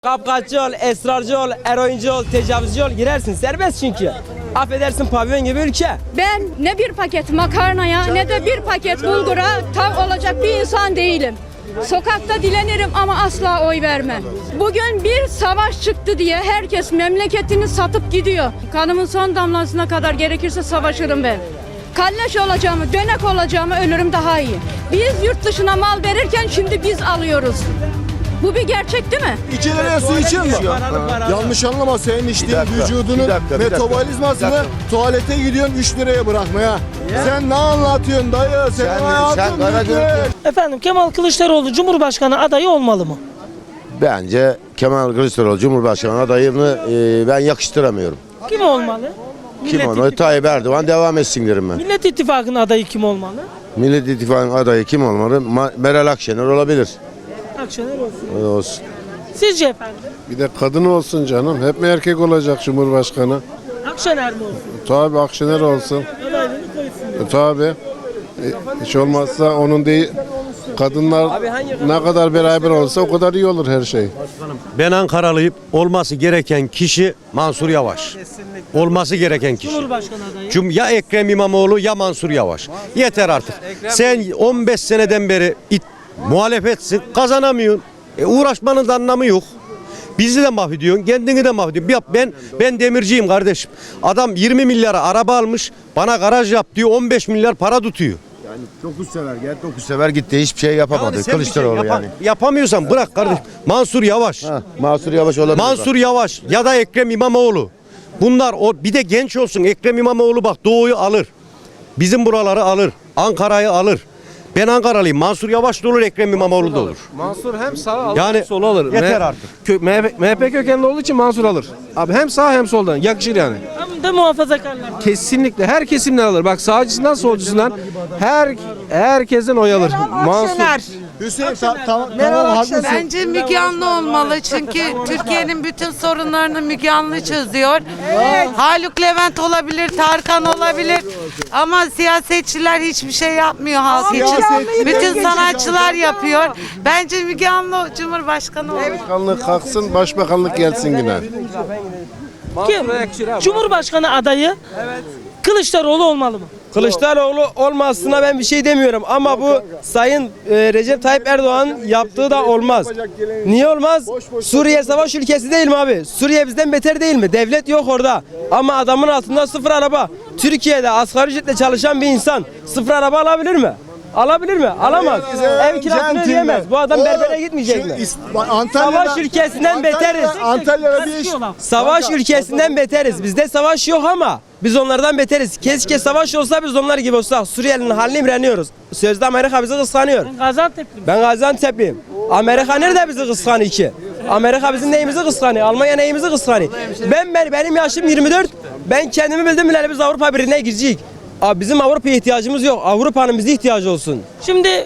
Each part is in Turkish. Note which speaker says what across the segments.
Speaker 1: Kapkaççı ol, esrarcı ol, eroinci ol, tecavüzcü ol girersin. Serbest çünkü. Affedersin pavyon gibi ülke.
Speaker 2: Ben ne bir paket makarnaya ne de bir paket bulgura tav olacak bir insan değilim. Sokakta dilenirim ama asla oy vermem. Bugün bir savaş çıktı diye herkes memleketini satıp gidiyor. Kanımın son damlasına kadar gerekirse savaşırım ben. Kalleş olacağımı, dönek olacağımı ölürüm daha iyi. Biz yurt dışına mal verirken şimdi biz alıyoruz. Bu bir gerçek değil mi?
Speaker 3: 2 liraya su içiyor mu? Yanlış anlama, senin içtiğin vücudunun metabolizmasını tuvalete gidiyorsun 3 liraya bırakmaya. Sen ne anlatıyorsun dayı? Senin hayatın bitti.
Speaker 4: Efendim Kemal Kılıçdaroğlu Cumhurbaşkanı adayı olmalı mı?
Speaker 5: Bence Kemal Kılıçdaroğlu Cumhurbaşkanı adayını ben yakıştıramıyorum.
Speaker 4: Kim olmalı?
Speaker 5: Kim onu? Tayyip Erdoğan devam etsin derim ben.
Speaker 4: Millet İttifakı'nın adayı kim olmalı?
Speaker 5: Millet İttifakı'nın adayı kim olmalı? Meral Akşener olabilir.
Speaker 4: Akşener olsun.
Speaker 5: Olsun.
Speaker 4: Sizce efendim?
Speaker 6: Bir de kadın olsun canım. Hep mi erkek olacak Cumhurbaşkanı?
Speaker 4: Akşener mi olsun?
Speaker 6: Tabii Akşener olsun.
Speaker 4: Adaylığını koysun.
Speaker 6: Tabii. Hiç olmazsa onun değil. Kadınlar ne kadar beraber olsa o kadar iyi olur her şey.
Speaker 7: Ben Ankaralıyım. Olması gereken kişi Mansur Yavaş. Olması gereken kişi.
Speaker 4: Cumhurbaşkanı adayı.
Speaker 7: Ya Ekrem İmamoğlu ya Mansur Yavaş. Yeter artık. Sen 15 seneden beri muhalefetsin, kazanamıyorsun. Uğraşmanın da anlamı yok. Bizi de mahvediyorsun, kendini de mahvediyorsun. Ben demirciyim kardeşim. Adam 20 milyara araba almış, bana garaj yap diyor, 15 milyar para tutuyor.
Speaker 5: Yani 9 sefer gel 9 sefer gitti, hiçbir şey yapamadı
Speaker 7: Yani sen
Speaker 5: Kılıçdaroğlu
Speaker 7: bir şey
Speaker 5: yani.
Speaker 7: Yapamıyorsan bırak kardeşim. Mansur Yavaş.
Speaker 5: Mansur Yavaş olabilir.
Speaker 7: Mansur Yavaş ya da Ekrem İmamoğlu. Bunlar bir de genç olsun. Ekrem İmamoğlu bak Doğu'yu alır. Bizim buraları alır. Ankara'yı alır. Ben Ankaralıyım. Mansur Yavaş da olur, Ekrem İmamoğlu da olur.
Speaker 8: Mansur hem sağ alır
Speaker 7: Yani
Speaker 8: hem sol alır.
Speaker 7: yeter artık.
Speaker 8: MHP kökenli olduğu için Mansur alır. Abi hem sağ hem soldan yakışır yani.
Speaker 4: Hem de muhafazakarlar.
Speaker 8: Kesinlikle her kesimden alır. Bak sağcısından solcusundan herkesten oy alır. Mansur.
Speaker 3: Hüseyin tamam haklısın.
Speaker 9: Bence Müge Anlı olmalı çünkü Türkiye'nin bütün sorunlarını Müge Anlı çözüyor. Haluk Levent olabilir, Tarkan olabilir ama siyasetçiler hiçbir şey yapmıyor halk için. Bütün sanatçılar yapıyor. Bence Müge Anlı Cumhurbaşkanı olur.
Speaker 6: Başkanlık kalksın, başbakanlık gelsin yine.
Speaker 4: Kim? Cumhurbaşkanı adayı Kılıçdaroğlu olmalı mı?
Speaker 1: Kılıçdaroğlu olmasına ben bir şey demiyorum ama bu Sayın Recep Tayyip Erdoğan yaptığı da olmaz. Niye olmaz? Suriye savaş ülkesi değil mi abi? Suriye bizden beter değil mi? Devlet yok orada. Ama adamın altında sıfır araba. Türkiye'de asgari ücretle çalışan bir insan sıfır araba alabilir mi? Alabilir mi? Alamaz. Ev kirasını ödeyemez. Bu adam berbere gitmeyecek mi? Savaş ülkesinden beteriz.
Speaker 3: Antalya'da bir iş.
Speaker 1: Savaş ülkesinden beteriz. Bizde savaş yok ama biz onlardan beteriz. Keşke savaş olsa biz onlar gibi olsak. Suriyelinin haline imreniyoruz. Sözde Amerika bizi kıskanıyor.
Speaker 4: Ben Gaziantep'liyim.
Speaker 1: Ben Gaziantep'liyim. Amerika nerede bizi kıskanıyor ki? Amerika bizim neyimizi kıskanıyor? Almanya neyimizi kıskanıyor? Benim yaşım 24. Ben kendimi bildim bileli biz Avrupa Birliği'ne gireceğiz. Abi bizim Avrupa'ya ihtiyacımız yok. Avrupa'nın bize ihtiyacı olsun.
Speaker 4: Şimdi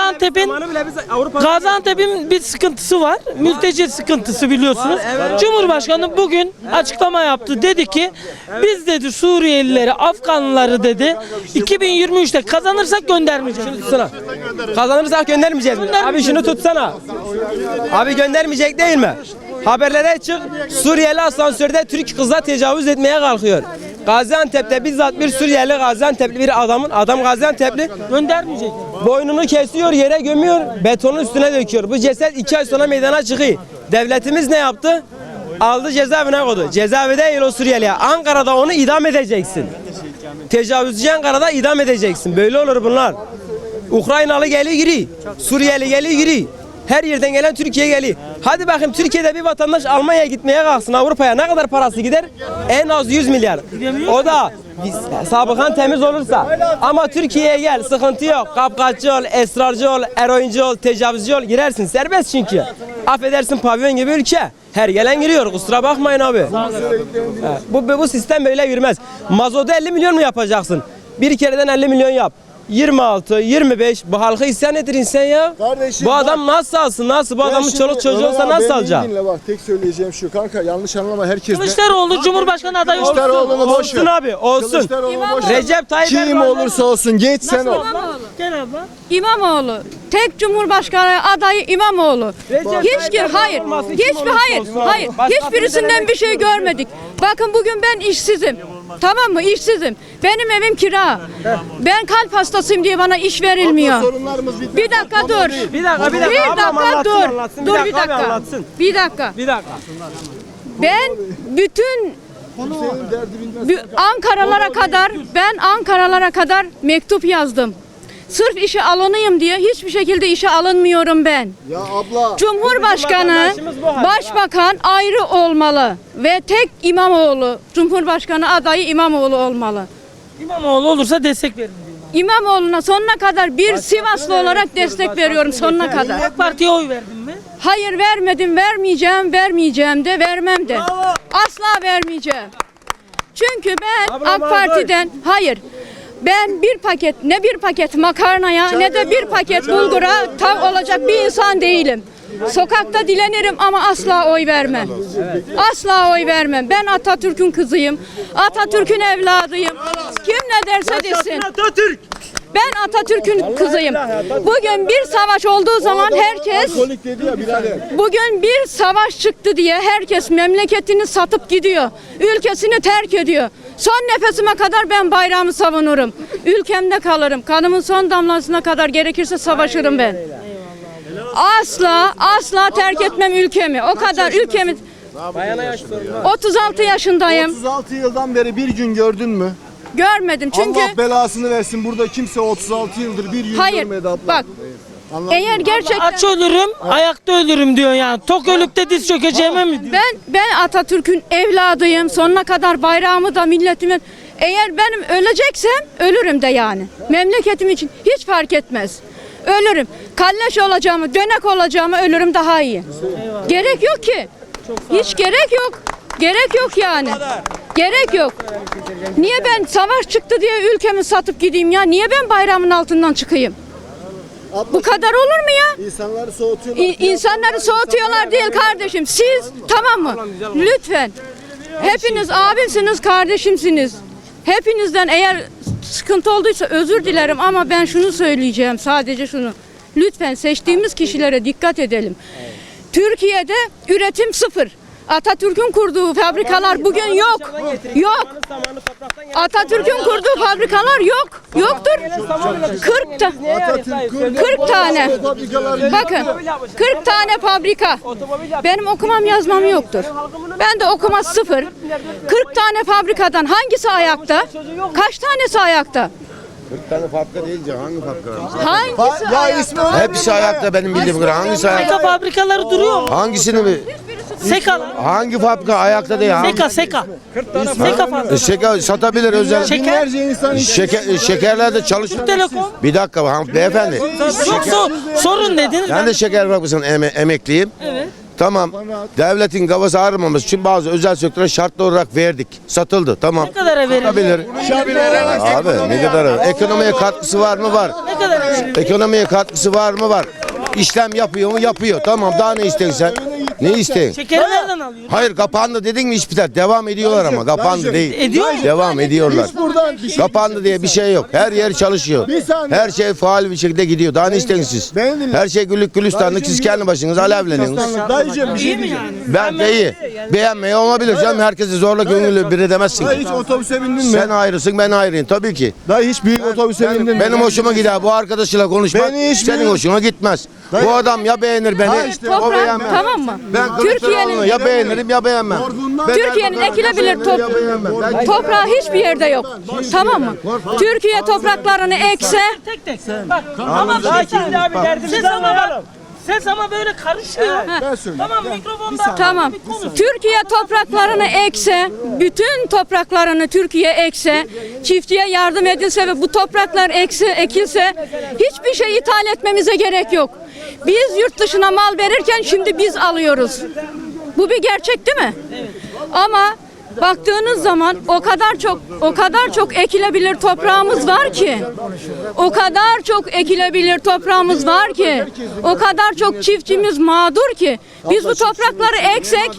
Speaker 4: Gaziantep'in bir sıkıntısı var. Mülteci sıkıntısı biliyorsunuz. Cumhurbaşkanı bugün açıklama yaptı. Dedi ki biz dedi Suriyelileri, Afganlıları dedi 2023'te kazanırsak göndermeyeceğiz.
Speaker 1: Şunu tutsana. Kazanırsak göndermeyeceğiz mi? Abi şunu tutsana. Abi göndermeyecek değil mi? Haberlere çık. Suriyeli asansörde Türk kıza tecavüz etmeye kalkıyor. Gaziantep'te bizzat bir Suriyeli Gaziantep'li bir adam Gaziantep'li
Speaker 4: Göndermeyecek.
Speaker 1: boynunu kesiyor, yere gömüyor, betonun üstüne döküyor. Bu ceset 2 ay sonra meydana çıkıyor. Devletimiz ne yaptı? Aldı cezaevine koydu. Cezaevi değil o Suriyeli'ye. Ankara'da onu idam edeceksin. Tecavüzcü Ankara'da idam edeceksin. Böyle olur bunlar. Ukraynalı geliyor giriyor. Suriyeli geliyor giriyor. Her yerden gelen Türkiye'ye geliyor. Hadi bakayım Türkiye'de bir vatandaş Almanya'ya gitmeye kalksın, Avrupa'ya ne kadar parası gider? En az 100 milyar. O da sabıkan temiz olursa. Ama Türkiye'ye gel, sıkıntı yok. Kapkaççı ol, esrarcı ol, eroinci ol, tecavüzcü ol girersin. Serbest çünkü. Affedersin pavyon gibi ülke. Her gelen giriyor. Kusura bakmayın abi. Bu sistem böyle yürümez. Mazotu 50 milyon mu yapacaksın? Bir kereden 50 milyon yap. 26, 25 bu halkı isyan ettirin sen ya.
Speaker 3: Kardeşim,
Speaker 1: bu adam nasıl alsın? Nasıl? Bu adamın çoluk çocuğu olsa nasıl alacak?
Speaker 3: Dinle bak, tek söyleyeceğim şu kanka, yanlış anlama herkes.
Speaker 4: Kılıçdaroğlu Cumhurbaşkanı adayı olsun.
Speaker 3: Kılıçdaroğlu'nu boş
Speaker 1: Olsun
Speaker 3: ver.
Speaker 1: abi, olsun.
Speaker 3: Kılıçdaroğlu'nu boş ver.
Speaker 1: Recep Tayyip
Speaker 3: Kim
Speaker 1: Erdoğan
Speaker 3: olursa olsun geç sen ol.
Speaker 4: Gel abla.
Speaker 2: İmamoğlu. tek Cumhurbaşkanı adayı İmamoğlu. Hiçbirisinden bir şey görmedik. Bakın bugün ben işsizim. Tamam mı? İşsizim. Benim evim kira. Ben kalp hastasıyım diye bana iş verilmiyor.
Speaker 3: Sorunlarımız bitmedi.
Speaker 2: Bir dakika dur.
Speaker 1: Bir dakika. Ablam
Speaker 2: dur.
Speaker 1: anlatsın.
Speaker 2: Dur bir
Speaker 1: abi,
Speaker 2: dakika.
Speaker 1: anlatsın.
Speaker 2: Bir dakika.
Speaker 1: Bir dakika.
Speaker 2: Ben bütün Ankaralara kadar mektup yazdım. Sırf işe alınayım diye hiçbir şekilde işe alınmıyorum ben.
Speaker 3: Ya abla.
Speaker 2: Cumhurbaşkanı, başbakan ayrı olmalı ve tek İmamoğlu, Cumhurbaşkanı adayı İmamoğlu olmalı.
Speaker 4: İmamoğlu olursa destek verin diyor.
Speaker 2: İmamoğlu'na sonuna kadar bir Sivaslı olarak destek veriyorum sonuna kadar.
Speaker 4: AK Parti'ye oy verdin mi?
Speaker 2: Hayır vermedim, vermeyeceğim de, vermem de. Asla vermeyeceğim. Çünkü ben AK Parti'den, ben bir paket makarnaya ne de bir paket bulgura tav olacak bir insan değilim. Sokakta dilenirim ama asla oy vermem. Asla oy vermem. Ben Atatürk'ün kızıyım. Atatürk'ün evladıyım. Kim ne derse desin. Ben Atatürk'ün kızıyım. Bugün bir savaş olduğu zaman herkes, bugün bir savaş çıktı diye herkes memleketini satıp gidiyor. Ülkesini terk ediyor. Son nefesime kadar ben bayrağımı savunurum. Ülkemde kalırım. Kanımın son damlasına kadar gerekirse savaşırım ben. Asla terk etmem ülkemi. O kadar ülkemi. 36 yaşındayım.
Speaker 3: 36 yıldan beri bir gün gördün mü?
Speaker 2: Görmedim çünkü.
Speaker 3: Allah belasını versin. Burada kimse 36 yıldır bir gün görmedi abla.
Speaker 2: Bak. Eğer gerçekten
Speaker 4: Aç ölürüm, ayakta ölürüm diyor yani. Tok ölüp de diz çökeceğime mi diyor?
Speaker 2: ben Atatürk'ün evladıyım. Sonuna kadar bayrağımı da milletimin. Eğer benim öleceksem ölürüm de yani. Memleketim için hiç fark etmez. Ölürüm. Kalleş olacağımı, dönek olacağımı ölürüm daha iyi. Gerek yok ki. Hiç gerek yok. Gerek yok yani. Gerek yok. Niye ben savaş çıktı diye ülkemi satıp gideyim ya? Niye ben bayrağımın altından çıkayım? Bu kadar olur mu ya?
Speaker 3: İnsanları soğutuyorlar.
Speaker 2: İnsanları soğutuyorlar değil kardeşim. Siz tamam mı? Lütfen. Hepiniz abimsiniz, kardeşimsiniz. Hepinizden eğer sıkıntı olduysa özür dilerim ama ben şunu söyleyeceğim, sadece şunu. Lütfen seçtiğimiz kişilere dikkat edelim. Türkiye'de üretim sıfır. Atatürk'ün kurduğu fabrikalar bugün yok. Yok. Atatürk'ün kurduğu fabrikalar yok. Yoktur. 40 tane. Bakın 40 tane fabrika. Benim okumam yazmam yoktur. Ben de okuma sıfır. 40 tane fabrikadan hangisi ayakta? Kaç tanesi ayakta?
Speaker 5: 40 tane fabrika deyince hangi fabrika?
Speaker 2: Hangisi
Speaker 3: Ya
Speaker 2: ayakta?
Speaker 3: ismi öyle.
Speaker 5: Hepsi ayakta benim bildiğim kadar. Hangisi ayakta?
Speaker 4: Seka fabrikaları duruyor mu?
Speaker 5: Hangisini mi?
Speaker 4: Seka.
Speaker 5: Hangi fabrika ayakta değil?
Speaker 4: Seka. Seka fabrikası.
Speaker 5: Şeker satabilir özel.
Speaker 4: Şeker.
Speaker 3: Binlerce insan
Speaker 5: Şekerlerde çalışıyor.
Speaker 4: Telekom.
Speaker 5: Bir dakika beyefendi.
Speaker 4: Yoksa sorun dediniz.
Speaker 5: Ben de şeker fabrikasının emekliyim.
Speaker 4: Evet.
Speaker 5: Tamam. Devletin kafası ağrımaması için bazı özel sektöre şartlı olarak verdik. Satıldı. Tamam.
Speaker 4: Ne kadara verildi?
Speaker 5: Satabilir. Abi ne kadar? Ekonomiye katkısı var mı? Var.
Speaker 4: Ne kadara verildi?
Speaker 5: Ekonomiye katkısı var mı? Var. İşlem yapıyor mu? Yapıyor. Tamam. Daha ne istiyorsun sen? Ne istiyorsun?
Speaker 4: Şekeri nereden alıyorsun?
Speaker 5: Hayır kapandı dedin mi iş biter. Devam ediyorlar ama. Kapandı değil.
Speaker 4: Ediyor mu?
Speaker 5: Devam ediyorlar.
Speaker 3: Hiç buradan bir şey.
Speaker 5: Kapandı diye bir şey yok. Her yer çalışıyor.
Speaker 3: Bir saniye.
Speaker 5: Her şey faal bir şekilde gidiyor. Daha ne istiyorsunuz siz?
Speaker 3: Beni dinle.
Speaker 5: Her şey güllük gülistanlık. Siz kendi başınıza alevleniyorsunuz.
Speaker 3: Dayıcığım bir şey diyeceğim.
Speaker 5: Ben de iyi. Beğenmeye olabilir canım. Herkesi zorla gönüllü bir edemezsin.
Speaker 3: Dayı hiç otobüse bindin mi?
Speaker 5: Sen ayrısın ben ayrıyım tabii ki.
Speaker 3: Dayı hiç büyük otobüse bindin mi?
Speaker 5: Benim hoşuma gider bu arkadaşıyla konuşmak.
Speaker 3: Beni hiç
Speaker 5: Senin
Speaker 3: bilmiyorum.
Speaker 5: hoşuna gitmez. Bu adam ya beğenir beni
Speaker 3: Ha işte,
Speaker 5: o
Speaker 2: Toprak,
Speaker 5: beğenmez.
Speaker 2: tamam mı?
Speaker 5: Ben Kılıçdaroğlu'nu ya beğenirim ya beğenmem. Ben
Speaker 2: Türkiye'nin
Speaker 5: Erdoğan'ı
Speaker 2: ekilebilir
Speaker 5: beğenirim ya beğenmem. Ben-
Speaker 2: toprağı hiçbir yerde yok. Tamam mı? Türkiye topraklarını ekse
Speaker 4: Tek. Bak. Ama ses ama böyle karışıyor.
Speaker 3: Ben söyleyeyim.
Speaker 4: Tamam mikrofonda.
Speaker 2: tamam. Türkiye topraklarını ekse, bütün topraklarını Türkiye ekse, çiftçiye yardım edilse ve bu topraklar ekilse hiçbir şey ithal etmemize gerek yok. Biz yurt dışına mal verirken şimdi biz alıyoruz. Bu bir gerçek değil mi? Ama baktığınız zaman o kadar çok ekilebilir toprağımız var ki. O kadar çok ekilebilir toprağımız var ki. O kadar çok çiftçimiz mağdur ki. Biz bu toprakları eksek,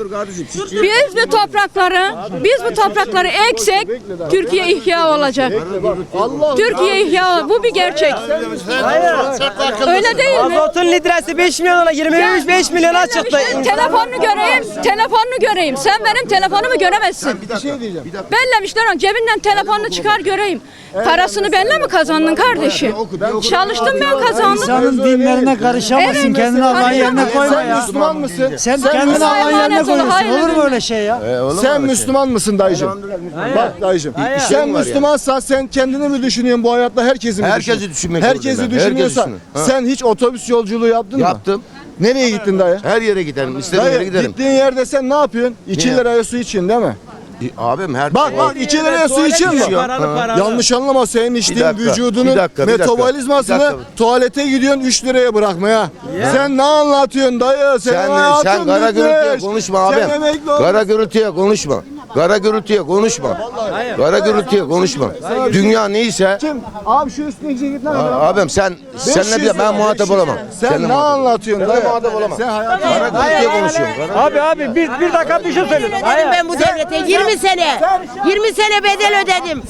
Speaker 2: biz bu toprakları eksek Türkiye ihya olacak. Türkiye ihya, bu bir gerçek. Öyle değil mi?
Speaker 1: Mazotun litresi 5 milyona 25 milyona çıktı.
Speaker 2: Telefonunu göreyim. Sen benim telefonumu göremezsin. Bellemişler onu. Cebinden telefonunu çıkar göreyim. Parasını benle mi kazandın kardeşim? Çalıştım ben kazandım.
Speaker 10: İnsanın dinlerine karışamazsın.
Speaker 2: Evet,
Speaker 10: Kendini Allah'ın yerine koyma
Speaker 3: Sen
Speaker 10: ya.
Speaker 3: Müslüman mısın?
Speaker 10: Sen kendini
Speaker 2: Allah'a
Speaker 10: Allah'ın yerine
Speaker 2: emanet ol,
Speaker 10: koyuyorsun.
Speaker 2: hayır.
Speaker 10: Olur mu öyle şey ya?
Speaker 3: Sen Müslüman mısın dayıcım? Bak dayıcım. Sen Müslümansan sen kendini mi düşünüyorsun bu hayatta herkesi mi
Speaker 5: Herkesi düşünmek
Speaker 3: Herkesi
Speaker 5: zorundayım ben.
Speaker 3: düşünüyorsan
Speaker 5: Herkesi düşünün.
Speaker 3: sen hiç otobüs yolculuğu yaptın mı?
Speaker 5: Yaptım.
Speaker 3: Nereye gittin dayı?
Speaker 5: Her yere giderim. İstediğim yere
Speaker 3: Dayı
Speaker 5: giderim.
Speaker 3: gittiğin yerde sen ne yapıyorsun? 2 liraya su için değil mi?
Speaker 5: Abim her
Speaker 3: Bak 2 liraya su için mi?
Speaker 1: Paralı.
Speaker 3: Yanlış anlama, senin içtiğin
Speaker 5: dakika,
Speaker 3: vücudunun
Speaker 5: bir dakika.
Speaker 3: metabolizmasını tuvalete gidiyorsun 3 liraya bırakmaya. Sen ne anlatıyorsun dayı?
Speaker 5: Sen kara gürültüye konuşma abim. Kara gürültüye konuşma. Kara gürültüye konuşma. Kara gürültüye konuşma. Dünya neyse
Speaker 3: Kim? Abi şu üstüne git ne kadar?
Speaker 5: abim senle ben muhatap olamam.
Speaker 3: Sen
Speaker 5: Seninle
Speaker 3: ne anlatıyorsun dayı?
Speaker 5: muhatap olamam.
Speaker 3: Sen hayatın
Speaker 5: Kara gürültüye konuşuyorum.
Speaker 1: Abi bir dakika bir şey söyleyeyim.
Speaker 11: Ben bu devlete 20 sene bedel ödedim.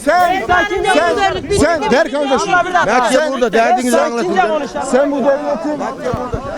Speaker 3: sen der kardeşim.
Speaker 5: Mert'e burada derdinizi anlatın.
Speaker 3: Sen bu devletin